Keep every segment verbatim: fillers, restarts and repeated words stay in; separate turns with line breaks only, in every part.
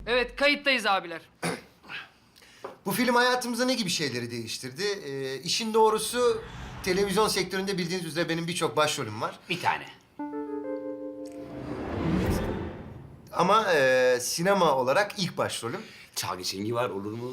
Evet, kayıttayız abiler.
Bu film hayatımızda ne gibi şeyleri değiştirdi? Ee, işin doğrusu televizyon sektöründe bildiğiniz üzere benim birçok başrolüm var.
Bir tane.
Ama e, sinema olarak ilk başrolüm
Çalgı Çengi var, olur mu?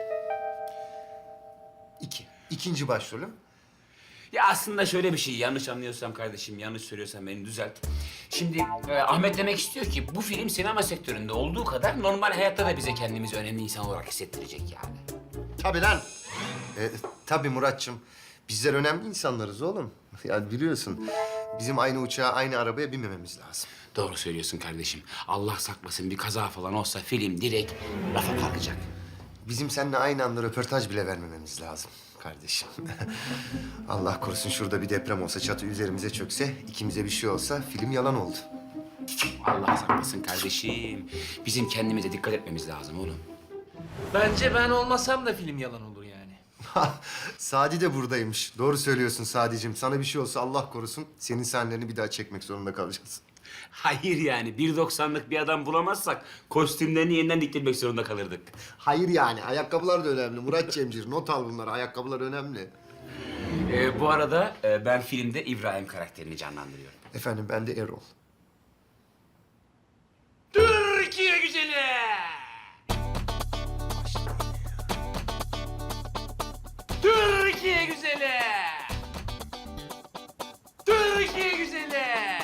iki. İkinci başrolüm.
Ya aslında şöyle bir şey, yanlış anlıyorsam kardeşim, yanlış söylüyorsam beni düzelt. Şimdi e, Ahmet demek istiyor ki bu film sinema sektöründe olduğu kadar normal hayatta da bize kendimizi önemli insan olarak hissettirecek yani.
Tabii lan. Ee, tabii Muratçım. Bizler önemli insanlarız oğlum. Ya biliyorsun bizim aynı uçağa, aynı arabaya binmememiz lazım.
Doğru söylüyorsun kardeşim. Allah saklasın bir kaza falan olsa film direkt rafa kalkacak.
Bizim seninle aynı anda röportaj bile vermememiz lazım kardeşim. Allah korusun şurada bir deprem olsa, çatı üzerimize çökse, ikimize bir şey olsa film yalan oldu.
Allah saklasın kardeşim. Bizim kendimize dikkat etmemiz lazım oğlum.
Bence ben olmasam da film yalan olur yani.
Sadi de buradaymış. Doğru söylüyorsun Sadicim. Sana bir şey olsa Allah korusun senin sahnelerini bir daha çekmek zorunda kalacağız.
Hayır yani bir doksanlık bir adam bulamazsak kostümlerini yeniden diktirmek zorunda kalırdık.
Hayır yani ayakkabılar da önemli. Murat Cemcir not al bunları. Ayakkabılar önemli.
Ee, bu arada e, ben filmde İbrahim karakterini canlandırıyorum.
Efendim ben de Erol.
Türkiye güzeli! Türkiye güzeli! Türkiye güzeli!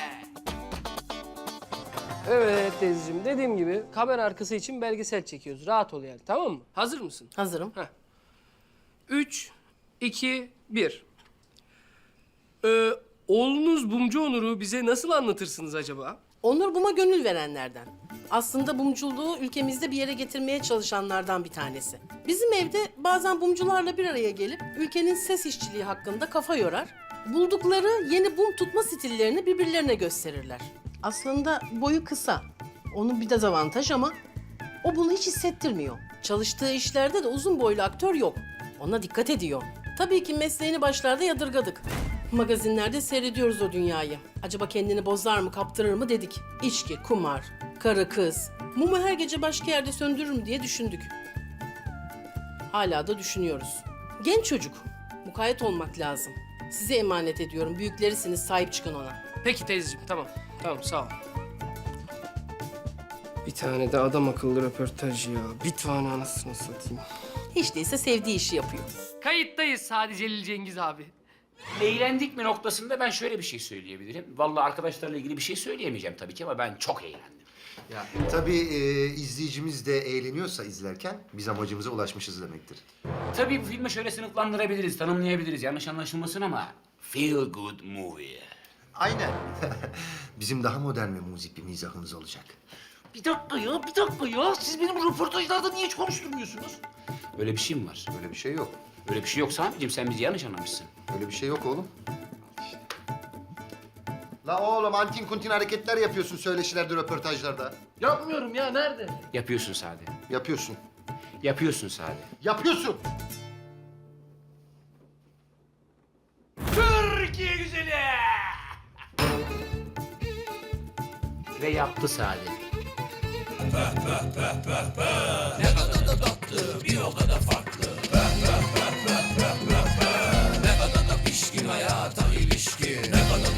Evet teyzeciğim, dediğim gibi kamera arkası için belgesel çekiyoruz. Rahat ol yani, tamam mı? Hazır mısın?
Hazırım.
Heh. Üç, iki, bir. Ee, oğlunuz Bumcu Onur'u bize nasıl anlatırsınız acaba?
Onur Bum'a gönül verenlerden. Aslında bumculuğu ülkemizde bir yere getirmeye çalışanlardan bir tanesi. Bizim evde bazen bumcularla bir araya gelip ülkenin ses işçiliği hakkında kafa yorar. Buldukları yeni bum tutma stillerini birbirlerine gösterirler. Aslında boyu kısa. Onun bir dezavantaj ama o bunu hiç hissettirmiyor. Çalıştığı işlerde de uzun boylu aktör yok. Ona dikkat ediyor. Tabii ki mesleğini başlarda yadırgadık. Magazinlerde seyrediyoruz o dünyayı. Acaba kendini bozar mı, kaptırır mı dedik. İçki, kumar, karı kız. Mumu her gece başka yerde söndürür mü diye düşündük. Hala da düşünüyoruz. Genç çocuk. Mukayyet olmak lazım. Size emanet ediyorum. Büyüklerisiniz, sahip çıkın ona.
Peki teyzeciğim, tamam. Tamam, sağ ol. Bir tane de adam akıllı röportaj ya. Bir tane anasını satayım.
Hiç değilse sevdiği işi yapıyor.
Kayıttayız Sadi Celil Cengiz abi.
Eğlendik mi noktasında ben şöyle bir şey söyleyebilirim. Vallahi arkadaşlarla ilgili bir şey söyleyemeyeceğim tabii ki ama ben çok eğlendim.
Ya tabii e, izleyicimiz de eğleniyorsa izlerken biz amacımıza ulaşmışız demektir.
Tabii bu filmi şöyle sınıflandırabiliriz, tanımlayabiliriz. Yanlış anlaşılmasın ama feel good movie.
Aynen. Bizim daha modern ve müzik bir mizahımız olacak.
Bir dakika ya, bir dakika ya. Siz benim röportajlarda niye hiç konuşturmuyorsunuz? Öyle bir şey mi var?
Öyle bir şey yok.
Öyle bir şey yok Sami'ciğim, sen bizi yanlış anlamışsın.
Öyle bir şey yok oğlum. La oğlum antin kuntin hareketler yapıyorsun söyleşilerde, röportajlarda.
Yapmıyorum ya, nerede?
Yapıyorsun Sade.
Yapıyorsun.
Yapıyorsun Sade.
Yapıyorsun.
Türkiye güzeli! Ve yaptı Sade.
Ne kadar da tatlı, bir o kadar farklı. Ne kadar da pişkin hayata.